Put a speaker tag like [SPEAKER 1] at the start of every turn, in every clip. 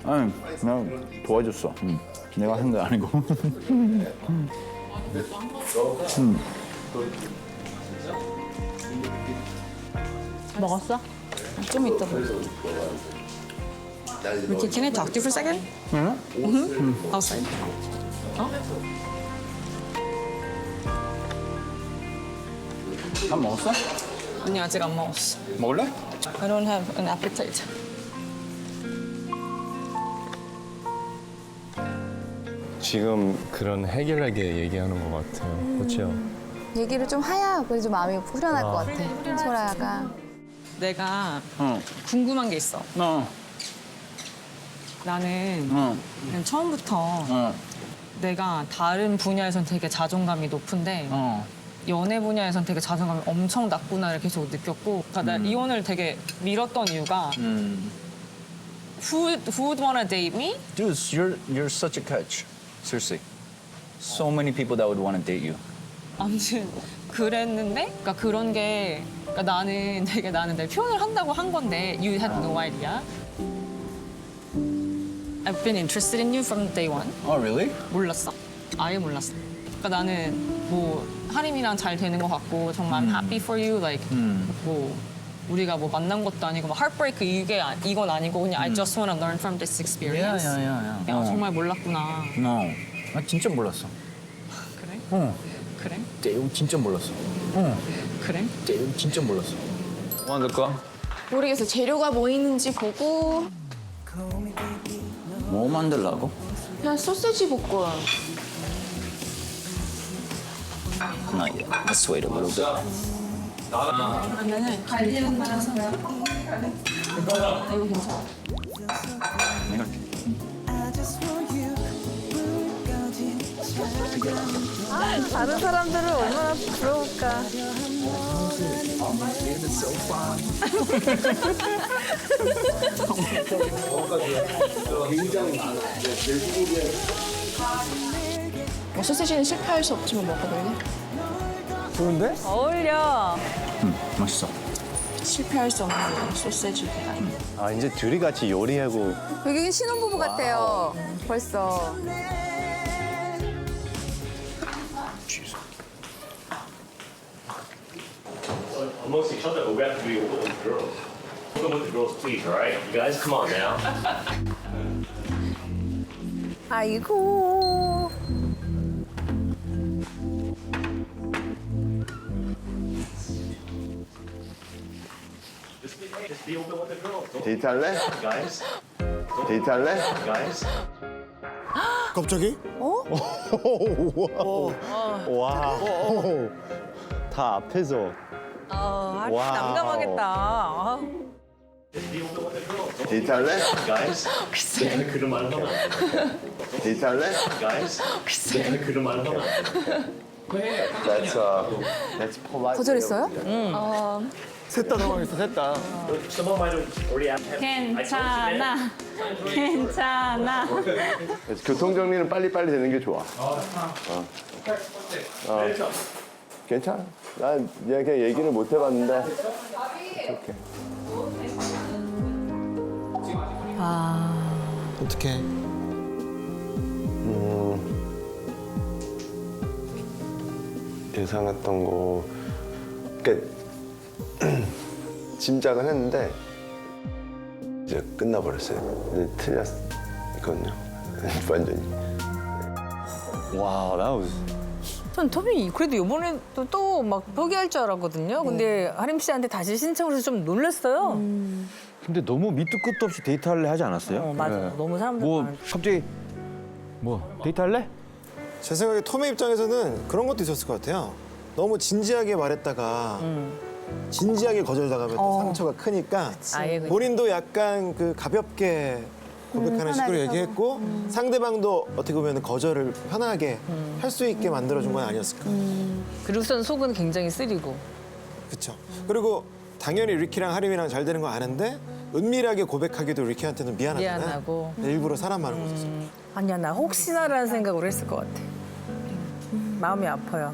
[SPEAKER 1] 아니, 그냥 도와줬어. 내가 한 게 아니고.
[SPEAKER 2] 먹었어? 좀 이따 먹어. Ricky, can I talk to you for a second? Outside.
[SPEAKER 1] 밥 먹었어?
[SPEAKER 2] 아니 아직 안 먹었어.
[SPEAKER 1] 먹을래?
[SPEAKER 2] I don't have an appetite.
[SPEAKER 3] 지금 그런 해결하게 얘기하는 것 같아요. 그렇죠?
[SPEAKER 4] 얘기를 좀 해야 그래도 마음이 후련할 것 같아. 소라야가.
[SPEAKER 2] 내가
[SPEAKER 1] 어.
[SPEAKER 2] 궁금한 게 있어.
[SPEAKER 1] 어.
[SPEAKER 2] 나는
[SPEAKER 1] 어.
[SPEAKER 2] 그냥 처음부터
[SPEAKER 1] 어.
[SPEAKER 2] 내가 다른 분야에선 되게 자존감이 높은데
[SPEAKER 1] 어.
[SPEAKER 2] 연애 분야에선 되게 자존감이 엄청 낮구나를 계속 느꼈고 그러니까 나 이혼을 되게 미뤘던 이유가 who would wanna date me?
[SPEAKER 1] Dude, you're such a catch. Seriously. So many people that would want to date you.
[SPEAKER 2] 아무튼 그랬는데 그러니까 그런 게 그러니까 나는 내 표현을 한다고 한 건데 you had no idea. I've been interested in you from day one.
[SPEAKER 1] Oh, really?
[SPEAKER 2] 몰랐어. 아예 몰랐어. 그러니까 나는 뭐 하림이랑 잘 되는 것 같고 정말 I'm happy for you. Like 뭐 우리가 뭐 만난 것도 아니고 뭐 heartbreak 이건 아니고 그냥 I just want to learn from this experience.
[SPEAKER 1] Yeah.
[SPEAKER 2] 야, 정말 몰랐구나.
[SPEAKER 1] No. 나 진짜 몰랐어.
[SPEAKER 2] 그래?
[SPEAKER 1] 어.
[SPEAKER 2] 그래?
[SPEAKER 1] 내용 진짜 몰랐어. 어.
[SPEAKER 2] 그래?
[SPEAKER 1] 내용 진짜 몰랐어. 뭐 만들까?
[SPEAKER 4] 모르겠어. 재료가 뭐 있는지 보고
[SPEAKER 1] 뭐 만들라고?
[SPEAKER 4] 그냥 소세지 볶음.
[SPEAKER 1] Not yet. Let's wait a little bit.
[SPEAKER 2] 그러면은 갈비는 말아서 이거 괜찮아.
[SPEAKER 1] 내가
[SPEAKER 4] 다른 사람들은 얼마나 부러울까. 소세지는 실패할 수 없지만 먹어볼래?
[SPEAKER 5] 좋은데?
[SPEAKER 4] 어울려.
[SPEAKER 1] 맛있어.
[SPEAKER 4] 실패할 수 없는 소세지.
[SPEAKER 3] 아 이제 둘이 같이 요리하고
[SPEAKER 4] 여기 신혼부부 같아요. 벌써.
[SPEAKER 6] amongst each other, but we have to be open with the girls. Open with the girls, please, all right? You guys, come on now.
[SPEAKER 4] 아이고.
[SPEAKER 6] Just be open with the girls. Don't
[SPEAKER 3] 데이트할래?
[SPEAKER 6] guys.
[SPEAKER 3] 데이트할래?
[SPEAKER 6] Guys.
[SPEAKER 5] 갑자기?
[SPEAKER 3] 와. 다 앞에서. 와.
[SPEAKER 4] 난감하겠다.
[SPEAKER 6] Just be open with the girls. Don't
[SPEAKER 3] 데이트할래?
[SPEAKER 6] guys. 내가 그런 말을 하면 안 돼.
[SPEAKER 3] 데이트할래?
[SPEAKER 6] Guys. 내가 그런 말을 하면 안 돼.
[SPEAKER 3] That's polite.
[SPEAKER 4] 거절했어요?
[SPEAKER 5] 셋 다 당황했어, 셋 다.
[SPEAKER 6] Someone might have already asked.
[SPEAKER 2] 괜찮아. 괜찮아.
[SPEAKER 3] 그래서 교통 정리는 빨리빨리 되는 게 좋아. 괜찮아. 난 그냥 얘기를 못 해봤는데. 이렇게.
[SPEAKER 5] 어떡해.
[SPEAKER 3] 예상했던 거. 그러니까 짐작은 했는데 이제 끝나버렸어요. 이제 틀렸거든요. 완전히. 와, 나
[SPEAKER 7] 전 토비 그래도 이번에도 또 막 포기할 줄 알았거든요. 근데 하림 씨한테 다시 신청을 해서 좀 놀랐어요.
[SPEAKER 1] 근데 너무 밑도 끝도 없이 데이트할래 하지 않았어요?
[SPEAKER 7] 맞아. 너무 사람들
[SPEAKER 1] 뭐
[SPEAKER 7] 많으니까.
[SPEAKER 1] 갑자기 뭐 데이트할래?
[SPEAKER 5] 제 생각에 톰의 입장에서는 그런 것도 있었을 것 같아요. 너무 진지하게 말했다가 진지하게 거절당하면 또 상처가 크니까
[SPEAKER 7] 아예 그냥.
[SPEAKER 5] 본인도 약간 그 가볍게 고백하는 식으로 얘기했고 상대방도 어떻게 보면 거절을 편하게 할 수 있게 만들어준 건 아니었을까.
[SPEAKER 7] 그리고선 속은 굉장히 쓰리고.
[SPEAKER 5] 그렇죠. 그리고 당연히 리키랑 하림이랑 잘 되는 거 아는데 은밀하게 고백하기도 리키한테는 미안하잖아요.
[SPEAKER 7] 미안하고.
[SPEAKER 5] 일부러 사람 많은 곳에서.
[SPEAKER 7] 아니야 나 혹시나라는 생각으로 했을 것 같아. 마음이 아파요.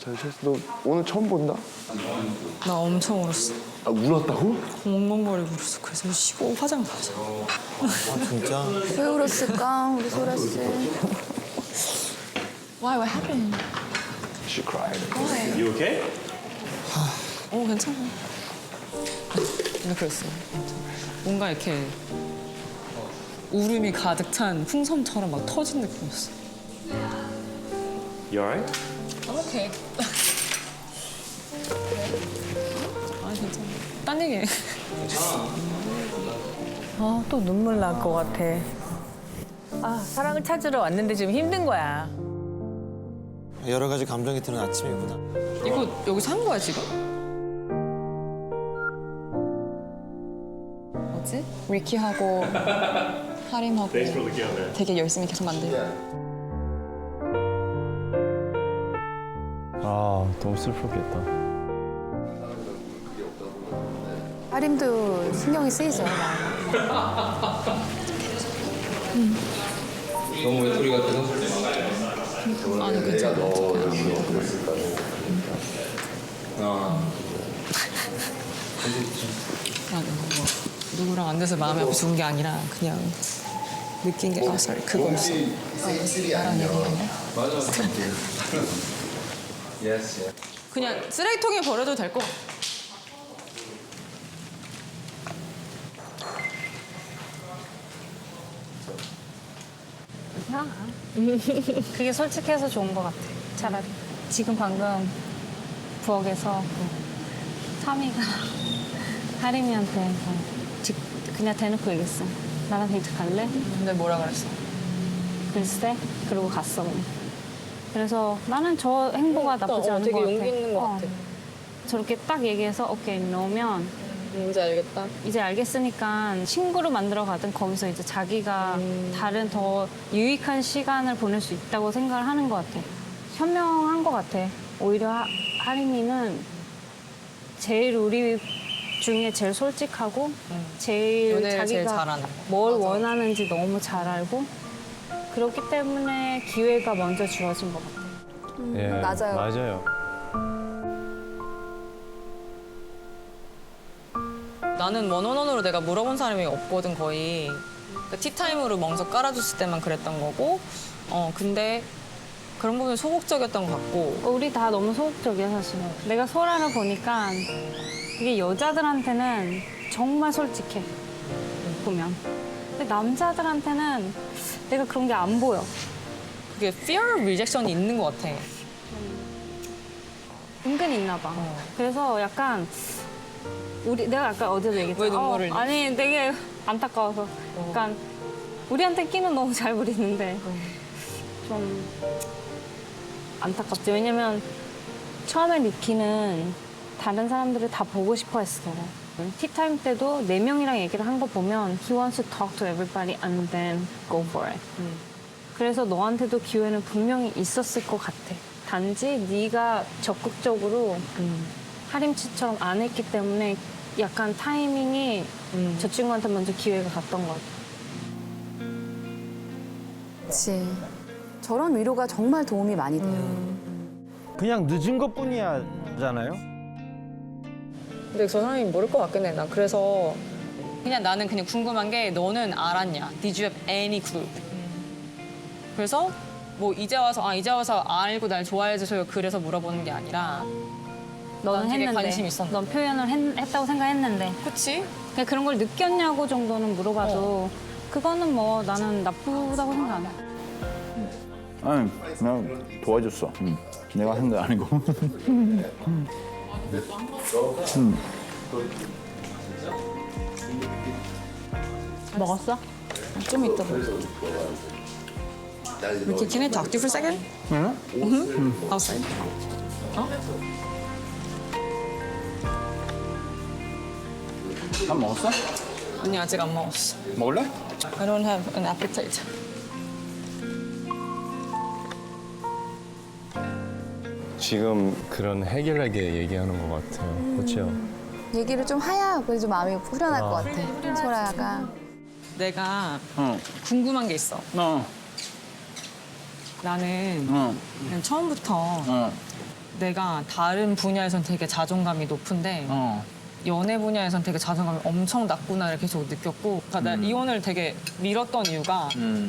[SPEAKER 3] 너 오늘 처음 본다?
[SPEAKER 2] 나 엄청 울었어.
[SPEAKER 3] 아, 울었다고?
[SPEAKER 2] 엉엉거리고 울었어. 그래서 쉬고 화장 나왔어.
[SPEAKER 5] 아, 진짜?
[SPEAKER 4] 왜 울었을까 우리 소라 씨.
[SPEAKER 2] Why? What happened?
[SPEAKER 3] She cried.
[SPEAKER 6] You okay?
[SPEAKER 2] 괜찮아. 근데 그랬어. 뭔가 이렇게 울음이 가득 찬 풍선처럼 막 터진 느낌이었어.
[SPEAKER 6] You alright?
[SPEAKER 2] 오케이. 아 괜찮아. 딴 얘기해.
[SPEAKER 7] 아, 또 눈물 날 것 같아. 아, 사랑을 찾으러 왔는데 지금 힘든 거야.
[SPEAKER 5] 여러 가지 감정이 드는 아침이구나.
[SPEAKER 2] 이거 여기서 한 거야 지금? 뭐지? 위키하고 하림하고
[SPEAKER 6] Thanks for looking out, man.
[SPEAKER 2] 되게 열심히 계속 만들고.
[SPEAKER 3] 아, 너무 슬프겠다.
[SPEAKER 4] 하림도 신경이 쓰이죠.
[SPEAKER 1] 너무 외톨이 같아서?
[SPEAKER 2] 아니 괜찮아. 아니 뭐 누구랑 안 돼서 마음이 아파 죽은 게 아니라 그냥 느낀 게 sorry 그거였어. 나랑 얘기했네.
[SPEAKER 1] 맞아. yes.
[SPEAKER 2] 그냥 쓰레기통에 버려도 될 것 같아.
[SPEAKER 8] 그게 솔직해서 좋은 것 같아. 차라리. 지금 방금 부엌에서 타미가 하림이한테 그냥 대놓고 얘기했어. 나랑 데이트 갈래?
[SPEAKER 2] 근데 뭐라 그랬어?
[SPEAKER 8] 글쎄. 그러고 갔어. 그냥. 그래서 나는 저 행보가 나쁘지 않은
[SPEAKER 2] 되게
[SPEAKER 8] 것 같아.
[SPEAKER 2] 용기 있는 것 같아.
[SPEAKER 8] 저렇게 딱 얘기해서 오케이 넣으면
[SPEAKER 2] 뭔지 알겠다.
[SPEAKER 8] 이제 알겠으니까 친구로 만들어 가든 거기서 이제 자기가 다른 더 유익한 시간을 보낼 수 있다고 생각을 하는 것 같아. 현명한 것 같아. 오히려 하림이는 제일 우리 중에 제일 솔직하고 제일
[SPEAKER 2] 연애를
[SPEAKER 8] 자기가
[SPEAKER 2] 제일 잘하는.
[SPEAKER 8] 뭘
[SPEAKER 2] 맞아.
[SPEAKER 8] 원하는지 너무 잘 알고 그렇기 때문에 기회가 먼저 주어진 것 같아.
[SPEAKER 3] 예,
[SPEAKER 4] 맞아요.
[SPEAKER 3] 맞아요.
[SPEAKER 2] 나는 원원원으로 내가 물어본 사람이 없거든 거의. 그 티타임으로 멍석 깔아줬을 때만 그랬던 거고. 근데 그런 부분이 소극적이었던 것 같고.
[SPEAKER 8] 우리 다 너무 소극적이야 사실. 내가 소라를 보니까 그게 여자들한테는 정말 솔직해 보면. 근데 남자들한테는 내가 그런 게 안 보여.
[SPEAKER 2] 그게 fear of rejection이 있는 것 같아.
[SPEAKER 8] 은근히 있나 봐. 그래서 약간 내가 아까 어제도 얘기했잖아.
[SPEAKER 2] 왜 눈물을 흘려?
[SPEAKER 8] 아니 되게 안타까워서. 약간 우리한테 끼는 너무 잘 부리는데 좀 안타깝지. 왜냐면 처음에 리키는 다른 사람들을 다 보고 싶어 했어. 티타임 때도 4명이랑 얘기를 한 거 보면 he wants to talk to everybody and then go for it. 그래서 너한테도 기회는 분명히 있었을 것 같아. 단지 네가 적극적으로 하림치처럼 안 했기 때문에 약간 타이밍이 저 친구한테 먼저 기회가 갔던 것 같아.
[SPEAKER 4] 그렇지. 저런 위로가 정말 도움이 많이 돼요.
[SPEAKER 9] 그냥 늦은 것뿐이야잖아요.
[SPEAKER 2] 근데 저 사람이 모를 것 같긴 해. 난 그래서 그냥 나는 그냥 궁금한 게 너는 알았냐? Did you have any clue? 그래서 뭐 이제 와서 알고 날 좋아해줘서 그래서 물어보는 게 아니라
[SPEAKER 8] 너는
[SPEAKER 2] 난 되게
[SPEAKER 8] 했는데.
[SPEAKER 2] 관심 있었는데.
[SPEAKER 8] 넌 표현을 했다고 생각했는데.
[SPEAKER 2] 그치?
[SPEAKER 8] 그냥 그런 걸 느꼈냐고 정도는 물어봐도 그거는 뭐 나는 나쁘다고 생각 안 해.
[SPEAKER 1] 아니, 그냥 도와줬어. 내가 한 거 아니고.
[SPEAKER 8] 먹었어?
[SPEAKER 2] 좀 이따 이렇게 can I talk to you for a second? Outside.
[SPEAKER 1] 밥 먹었어?
[SPEAKER 2] 아니 아직 안 먹었어.
[SPEAKER 1] 먹을래?
[SPEAKER 2] I don't have an appetite.
[SPEAKER 3] 지금 그런 해결하게 얘기하는 것 같아요. 그렇죠?
[SPEAKER 4] 얘기를 좀 해야 그래도 좀 마음이 후련할 것 같아. 소라야가.
[SPEAKER 2] 내가
[SPEAKER 1] 어.
[SPEAKER 2] 궁금한 게 있어.
[SPEAKER 1] 어.
[SPEAKER 2] 나는
[SPEAKER 1] 어.
[SPEAKER 2] 그냥 처음부터
[SPEAKER 1] 어.
[SPEAKER 2] 내가 다른 분야에선 되게 자존감이 높은데
[SPEAKER 1] 어.
[SPEAKER 2] 연애 분야에선 되게 자존감이 엄청 낮구나를 계속 느꼈고 그러니까 나 이혼을 되게 미뤘던 이유가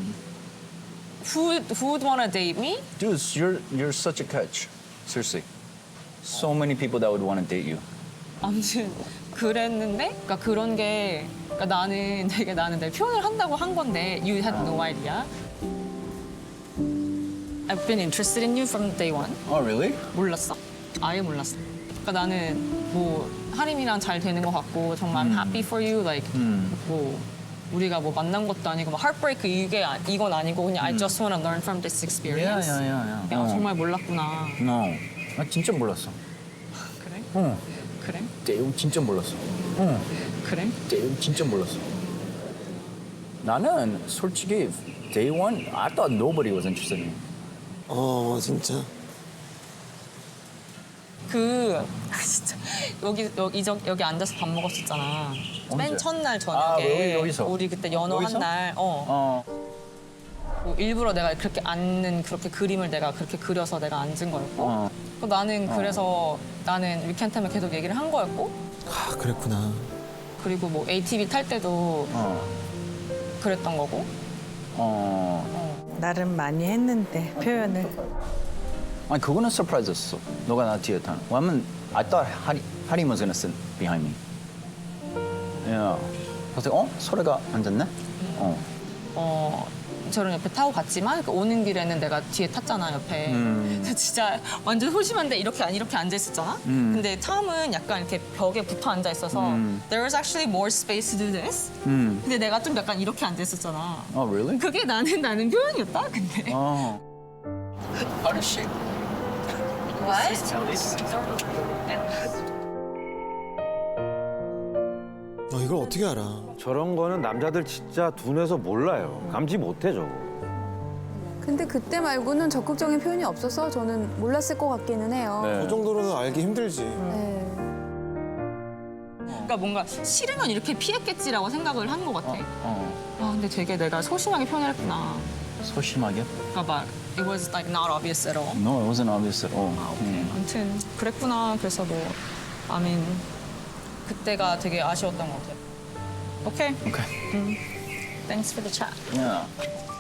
[SPEAKER 2] who would wanna date me?
[SPEAKER 1] Dude, you're such a catch. Seriously. So many people that would want to date you.
[SPEAKER 2] 아무튼 그랬는데 그러니까 그런 게 그러니까 나는 내 표현을 한다고 한 건데 you had no idea. I've been interested in you from day one.
[SPEAKER 1] Oh, really?
[SPEAKER 2] 몰랐어. 아예 몰랐어. 그러니까 나는 뭐 하림이랑 잘 되는 것 같고 정말 I'm happy for you. Like 뭐 우리가 뭐 만난 것도 아니고 뭐 heartbreak 이건 아니고 그냥 I just wanna learn from this experience.
[SPEAKER 1] Yeah.
[SPEAKER 2] 야, 정말 몰랐구나.
[SPEAKER 1] No. 나 진짜 몰랐어.
[SPEAKER 2] 그래?
[SPEAKER 1] 어.
[SPEAKER 2] 그래?
[SPEAKER 1] 대웅 진짜 몰랐어. 어.
[SPEAKER 2] 그래?
[SPEAKER 1] 대웅 진짜 몰랐어. 나는 솔직히 day one, I thought nobody was interested in me.
[SPEAKER 5] 진짜.
[SPEAKER 2] 진짜 여기 앉아서 밥 먹었었잖아.
[SPEAKER 1] 언제?
[SPEAKER 2] 맨 첫날
[SPEAKER 1] 아,
[SPEAKER 2] 저녁에
[SPEAKER 1] 여기서?
[SPEAKER 2] 우리 그때 연어
[SPEAKER 1] 여기서?
[SPEAKER 2] 한 날. 뭐 일부러 내가 그렇게 앉는 그렇게 그림을 내가 그렇게 그려서 내가 앉은 거였고. 나는 그래서 나는 위켄템에 계속 얘기를 한 거였고.
[SPEAKER 5] 아, 그랬구나.
[SPEAKER 2] 그리고 뭐 ATV 탈 때도 그랬던 거고.
[SPEAKER 7] 나름 많이 했는데 표현을.
[SPEAKER 1] 아니 그거는 서프라이즈였어. 너가 나 뒤에 타는. 왜냐면 I thought Harim was gonna sit behind me. Yeah. 그래서 소래가 앉았네.
[SPEAKER 2] 저런 옆에 타고 갔지만 그 오는 길에는 내가 뒤에 탔잖아 옆에. 그래서 진짜 완전 소심한데 이렇게 앉아 있었잖아. 근데 처음은 약간 이렇게 벽에 붙어 앉아 있어서 there was actually more space to do this. 근데 내가 좀 약간 이렇게 앉아 있었잖아.
[SPEAKER 1] Oh, really?
[SPEAKER 2] 그게 나는 표현이었다. 근데.
[SPEAKER 1] How does she?
[SPEAKER 5] 이걸 어떻게 알아?
[SPEAKER 9] 저런 거는 남자들 진짜 둔해서 몰라요. 감지 못해 저거.
[SPEAKER 4] 근데 그때 말고는 적극적인 표현이 없어서 저는 몰랐을 것 같기는 해요.
[SPEAKER 5] 그 정도로는 알기 힘들지.
[SPEAKER 4] 네.
[SPEAKER 2] 그러니까 뭔가 싫으면 이렇게 피했겠지라고 생각을 한 것 같아. 아 근데 되게 내가 소심하게 표현했구나.
[SPEAKER 1] 소심하게?
[SPEAKER 2] 그러니까 막 it was like not obvious at all.
[SPEAKER 1] No, it wasn't obvious at all.
[SPEAKER 2] 아무튼 그랬구나. 그래서 뭐 I mean 그때가 되게 아쉬웠던 것 같아. 오케이.
[SPEAKER 1] Okay.
[SPEAKER 2] Thanks for the chat.
[SPEAKER 1] Yeah.